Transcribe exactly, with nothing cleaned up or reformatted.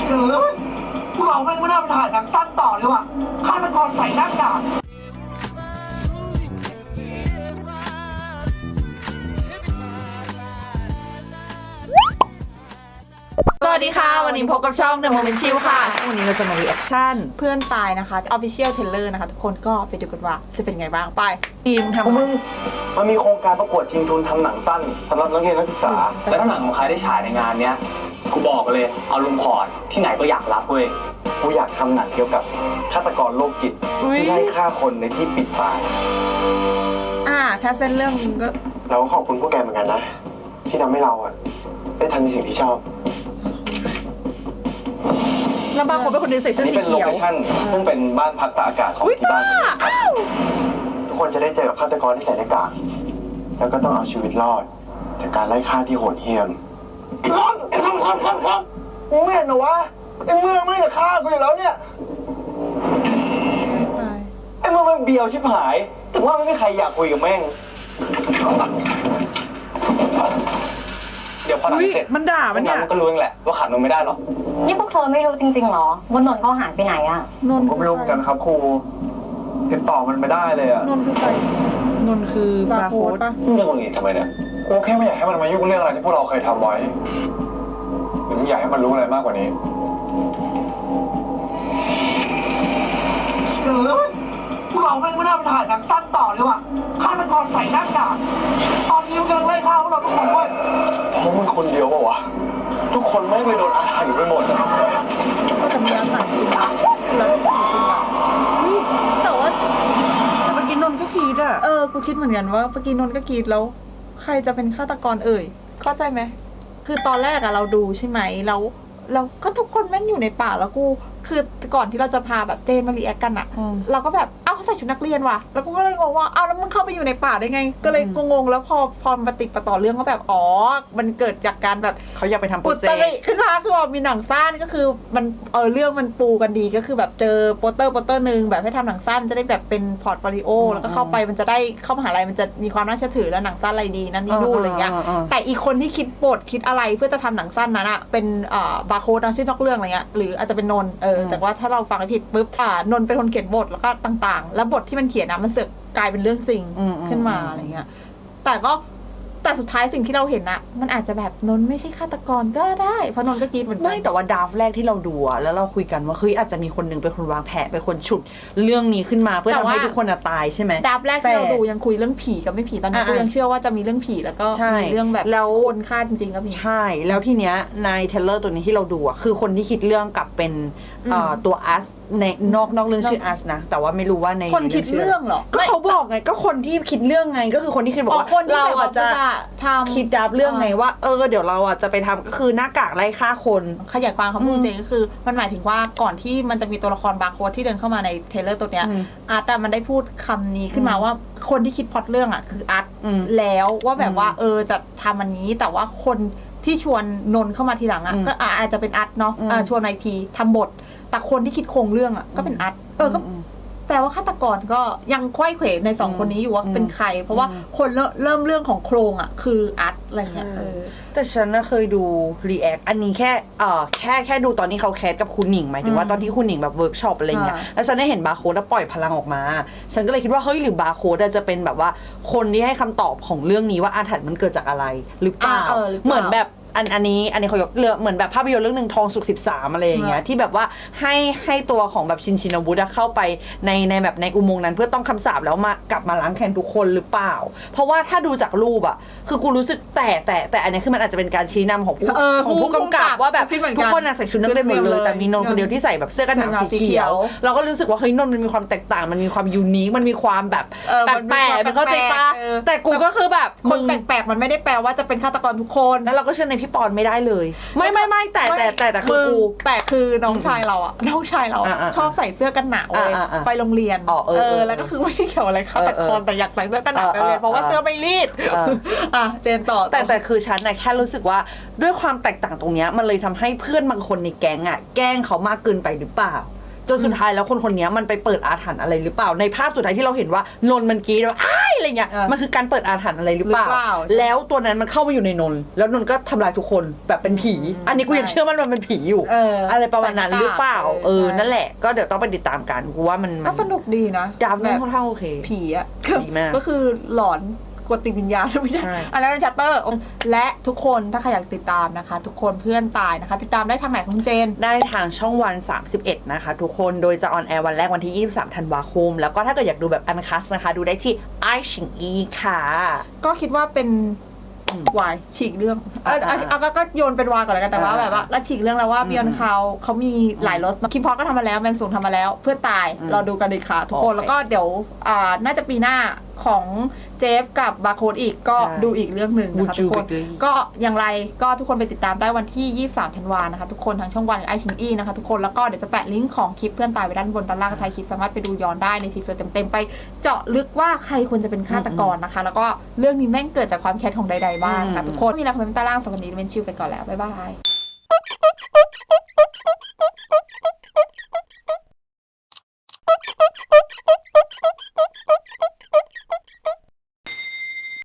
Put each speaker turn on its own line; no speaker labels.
เอ้ยพวกเราไม่ไม่น่าไปถ่ายหนังสั้นต่อเลยว่ะฆาตกรใส่หน้ากาก
สวัสดีค่ะวันนี้พบกับช่อง The Moment Chill ค่ะวันนี้เราจะมา reaction
เพื่อนตายนะคะ Official Trailer นะคะทุกคนก็ไปดูกันว่าจะเป็นไงบ้างไป
ทีมทำ
มึงมันมีโครงการประกวดชิงทุนทำหนังสั้นสำหรับนักเรียนนักศึกษา และถ้าหนังของใครได้ฉายในงานเนี้ยกูบอกเลยเอาลุงพอร์ตที่ไหนก็อยากรับเว้ยกูอยากทำหนังเกี่ยวกับฆาตกรโรคจิตที่ไล่ฆ่าคนในที่ปิดตาย
อ่าถ้าเส้นเรื่องก็
เราก็ขอบคุณพวกแกเหมือนกันนะ ที่ทำให้เราอะได้ทำในสิ่งที่ชอบ
แล้วบางคนเป็นคนนึงใส่เสื้อ
นี่
สี
เป็นโล
เขียว
เคชั่นซึ่งเป็นบ้านพักตากอากาศของที่บ้านผมครับ
ทุกคนจะได้เจอกับฆาตกรที่ใส่หน้ากากแล้วก็ต้องเอาชีวิตรอด จากการไล่ฆ่าที่โหดเหี้ยม
มึงไม่เห็นเหรอวะไอ้เมืองไม่จะฆ่ากูอยู่แล้วเนี่ย
ตาย
ไอ้เมื่อมันเบียวชิบหายถึงว่าไม่มีใครอยากคุยกับแม่งเดี๋ยวพอหนังเสร็จ
มันด่ามันเนี่ย
มันก็รู้เองแหละว่าขาดนมไม่ได้หรอก
นี่พวกเธอไม่รู้จริงๆหรอว่านนท์เขาหายไปไหนอะ
นนท์
ผมไม่รู้เหมือนกันครับครูติดต่อมันไม่ได้เลยอะ
นนท์คือใคร
นนท์คือบา
บา
ร์
ร์
โค้
โค้
ด
ดปะ
มึงจะงงงี้ทำไมเนี่ย
กูแค่ไม่อยากให้มันมายุ่งเรื่องอะไรที่พวกเราเคยทำไว้หรือมึงอยากให้มันรู้อะไรมากกว่านี้
เอ้ยพวกเราไม่ไม่น่าไปถ่ายหนังสั้นต่อเลยว่ะฆาตกรใส่หน้ากากตอนนี้มันกำลังไล่ฆ่าพวกเราทุกคนเว้ย
เพราะมึงคนเดียวเปล่าวะ
ทุกคนไม่งเลยโดนอาถรรพ์ไปหมดอะ
ก็แต่มีอาหารจริงนะคือแล้วไม่ผีจริงอะอุ๊ยแต่ว่า
แต่เมื่อกี้นนท์ก็คิดอ่ะ
เออกูคิดเหมือนกันว่าเมื่อกี้นนท์ก็กรีดแล้ว ใครจะเป็นฆาตกรเอ่ยเข้าใจไหมคือตอนแรกอะเราดูใช่ไหมแล้วเราก็ทุกคนแม่งอยู่ในป่าแล้วกูคือก่อนที่เราจะพาแบบเจนมารีแอคกันอะ
อืม
เราก็แบบเอ้าเขาใส่ชุดนักเรียนว่ะแล้วกูก็เลยงงว่าเอ้าแล้วมึงเข้าไปอยู่ในป่าได้ไง ก็เลยงงๆแล้วพอพอมาติดประต่อเรื่องก็แบบอ๋อมันเกิดจากการแบบ
เขาอยากไปทำโปร
อุ
เจ
ต
ก
ริ
ต์
ขึ้นมาคือว่ามีหนังสั้นก็คือมันเออเรื่องมันปูกันดีก็คือแบบเจอโปสเตอร์โปสเตอร์หนึ่งแบบให้ทำหนังสั้นจะได้แบบเป็นพอร์ตโฟลิโอแล้วก็เข้าไปมันจะได้เข้ามหาลัยมันจะมีความน่าเชื่อถือแล้วหนังสั้นอะไรดีนั่นนี่นู่นอะไรเงี้ย แต่อีกคนที่คิดบทคิดอะไรเพื่อจะทำหนังสั้นนั้นอะเป็นอ่าบาร์โค้ดนะชื่อนอกเรื่องอะไรเงี้ยหรืออาจจะเป็นนนท์เออแต่ว่าถ้าเราฟังผิดปุ๊บอ่านนท์เป็นคนเขียนบทแล้วก็ต่างๆ แล้วบทที่มันเขียนนะมันเสือกกลายเป็นเรื่องจริง
อืมอืม
ขึ้นมาอะไรเงี้ยแต่ก็แต่สุดท้ายสิ่งที่เราเห็นอะมันอาจจะแบบนนท์ไม่ใช่ฆาตกรก็ได้เพราะนนท์ก็กรีดเหมือนกั
ไม่แต่ว่าดราฟต์แรกที่เราดูอะแล้วเราคุยกันว่าเฮ้ยอาจจะมีคนหนึงเป็นคนวางแผนเป็นคนฉุดเรื่องนี้ขึ้นมาเพื่อทำให้ทุกคนอะตายใช่ไหม
ดับแรกที่เราดูยังคุยเรื่องผีกับไม่ผีตอนนี้
อ่า
กูยังเชื่อว่าจะมีเรื่องผีแล้วก็
ใช่
มีเรื่องแบบ
แล้ว
คนฆ่าจริงๆก็มี
ใช่ แล้วทีเนี้ยในเทเลอร์ตัวนี้ที่เราดูอ่ะคือคนที่คิดเรื่องกับเป็นเอ่อ
อืม
ตัวอัสในนอกนอกเรื่องชื่ออัสนะ แต่ว่าไม่รู้ว่าใน
คนคิดเรื่องเหรอ
ก็เขาบอกไงก็คนที่คิดเรื่องไงก็คือคนที่คิดบอก
อ๋อ
ว่า
คนที่
เรา
แบบ
อ่ะจะ
ว่าทำ
คิดดับเรื่องไงว่าเออเดี๋ยวเราอ่ะจะไปทำก็คือหน้ากากไล่ฆ่าคน
ขยายความเขาพูด
อืม
จริงก็คือมันหมายถึงว่าก่อนที่มันจะมีตัวละครบาร์โค้ดที่เดินเข้ามาในเทรลเลอร์ตัวเนี้ย
อืม
อาร์ตอะมันได้พูดคำนี้ขึ้นมา
อืม
ว่าคนที่คิดพล็อตเรื่องอะคืออาร์ต
อืม
แล้วว่าแบบว่า
อืม
เออจะทำอันนี้แต่ว่าคนที่ชวนนนท์เข้ามาทีหลังอะ
อืม
ก็อ่ะอาจจะเป็นอาร์ตเนาะ
อืม
อ่ะชวนมาอีกทีทำบท แต่คนที่คิดโครงเรื่องอะก็เป็นอาร์ตเออก็
อืม
แปลว่าฆาตกรก็ยังควยเขวในสอง
อืม
คนนี้อยู่ว่า
อืม
เป็นใคร เพราะว่า
อืม
คนเริ่มเริ่มเรื่องของโครงอะคืออาร์ตอะไรเงี้ยเออ
แต่ฉันน่ะเคยดูรีแอคอันนี้แค่เอ่อแค่แค่ดูตอนที่เขาแคสกับคุณหนิงหมายถึงว่า
อืม
ตอนที่คุณหนิงแบบเวิร์กช็อปอะไรเงี้ย
อ่า
แล้วฉันได้เห็นบาร์โค้ดแล้วปล่อยพลังออกมา ฉันก็เลยคิดว่าเฮ้ยหรือบาร์โค้ดจะเป็นแบบว่าคนที่ให้คำตอบของเรื่องนี้ว่าอาถรรพ์มันเกิดจากอะไรหรือเปล่า
อ่าเออหรือเปล่า
เหมือนแบบอันอันนี้อันนี้เขายกเรื่องเหมือนแบบภาพยนตร์เรื่องหนึ่งทองสุกสิบสามอะไรอย่างเงี้ย
อ่า
ที่แบบว่าให้ให้ตัวของแบบชินชินวุฒิอะเข้าไปในในแบบในอุโมงค์นั้นเพื่อต้องคำสาปแล้วมากลับมาล้างแค้นทุกคนหรือเปล่า เพราะว่าถ้าดูจากรูปอะคือกูรู้สึกแต่แต่แต่อันนี้คือมันอาจจะเป็นการชี้นำของผู้
เออ
ของผู้กำกับว่าแบบ
คิดเหมือนกัน
ทุกคนอะใส่ชุดนักเรียนหมดเลยแต่มีนนท์คนเดียวที่ใส่แบบเสื้อกันหนาวสีเขียว เราก็รู้สึกว่าเฮ้ยนนท์มันมีความแตกต่างมันมีความยูนิคมันมีความแบบ
เออ
แป
มันมี
ลก
ความ
ๆมันเข้าใจปะ
แปลกๆเออ
แต่กูก็คือแบบ
คน
มึง
แปลกๆมันไม่ได้แปลว่าจะเป็นฆาตกรทุกคน
แล้วเราก็เชื่อในพี่ปอนไม่ได้เลย ไม่ไม่ไม่แต่แต่แต่แต่คือกู
แปลกคือน้องชายเราอะน้องชายเราอะ
อ่าๆ
ชอบใส่เสื้อกันหนาวเลย
อ่าๆ
ไปโรงเรียน
อ๋อเออเออ
แล้วก็คือไม่ใช่เกี่ยวอะไรฆาตกร
เออเออ
แต่อยากใส่เสื้อกันหนาวไปโรงเรียน
เออ
เพราะว่าเสื้อไม่รีด
เออ
อ่ะเจนต่อ
แต่แต่คือฉันนะแค่รู้สึกว่าด้วยความแตกต่างตรงเนี้ยมันเลยทำให้เพื่อนบางคนในแก๊งอ่ะแกล้งเขามากเกินไปหรือเปล่าจนสุดท้ายแล้วคนคนนี้มันไปเปิดอาถรรพ์อะไรหรือเปล่าในภาพสุดท้ายที่เราเห็นว่านนท์มันกรีดว่าอ้ายอะไรเงี้ย
เออ
มันคือการเปิดอาถรรพ์อะไรหรือเปล่า
หรือเปล่า
แล้วตัวนั้นมันเข้ามาอยู่ในนนท์แล้วนนท์ก็ทำลายทุกคนแบบเป็นผี
อืม
อันนี้กูยัง
ใช่
เชื่อมันว่ามันเป็นผีอยู่
เอออ
อะไรประมาณนั้นหรือเปล่า เออ
ใช่
นั่นแหละก็เดี๋ยวต้องไปติดตามกันกูว่ามันมั
ก็สนุกดีนะ
ดรา
แบ
ม่า
บ
ค่อนข้างโอเค
ผีอะ
ดีมาก
ก็คือหลอนกดติดวิญญาณไม่ใช่
ใช่
อันนั้นเป็นชัตเตอร์ และทุกคนถ้าใครอยากติดตามนะคะ ทุกคนเพื่อนตายนะคะ ติดตามได้ทางไหนของคุณเจน
ได้ทางช่องวัน สามสิบเอ็ด นะคะทุกคน โดยจะออนแอร์วันแรกวันที่ ยี่สิบสาม ธันวาคม แล้วก็ถ้าเกิดอยากดูแบบอันคัสนะคะ ดูได้ที่ไอชิงอีค่ะ
ก็คิดว่าเป็น
อืม
วายฉีกเรื่องเออ
อ่า
เอาเอาก็โยนเป็นวายก่อนแล้วกันแต่ว่า
อ่า
แบบว่าแล้วฉีกเรื่องแล้วว่า
อืม
บิยอนเขาเขามีหลายรสคิมพอก็ทำมาแล้วแมนสูงทำมาแล้ว เพื่อนตาย
อืม
เราดูกันดีค่ะทุกคน
โอเค
แล้วก็เดี๋ยวอ่าน่าจะปีหน้าของเจฟกับบาร์โค้ดอีกก็
ใช่
ดูอีกเรื่องหนึ่งนะคะ
บูจู
ทุกคน
Bakery
ก็อย่างไรก็ทุกคนไปติดตามได้วันที่ ยี่สิบสาม ธันวานะคะทุกคนทางช่องวันไอชิงอีนะคะทุกคนแล้วก็เดี๋ยวจะแปะลิงก์ของคลิปเพื่อนตายไว้ด้านบนด้านล่างไทยคลิปสามารถไปดูย้อนได้ในทีเซอร์เต็มๆไปเจาะลึกว่าใครควรจะเป็นฆาตกรนะคะ แล้วก็เรื่องนี้แม่งเกิดจากความแค้นของใดๆบ้างนะ
อืม
ทุกคนมีอะไรคอมเมนต์ใต้ล่างสำหรับวันนี้เป็นชิวไปก่อนแล้วบ๊ายบาย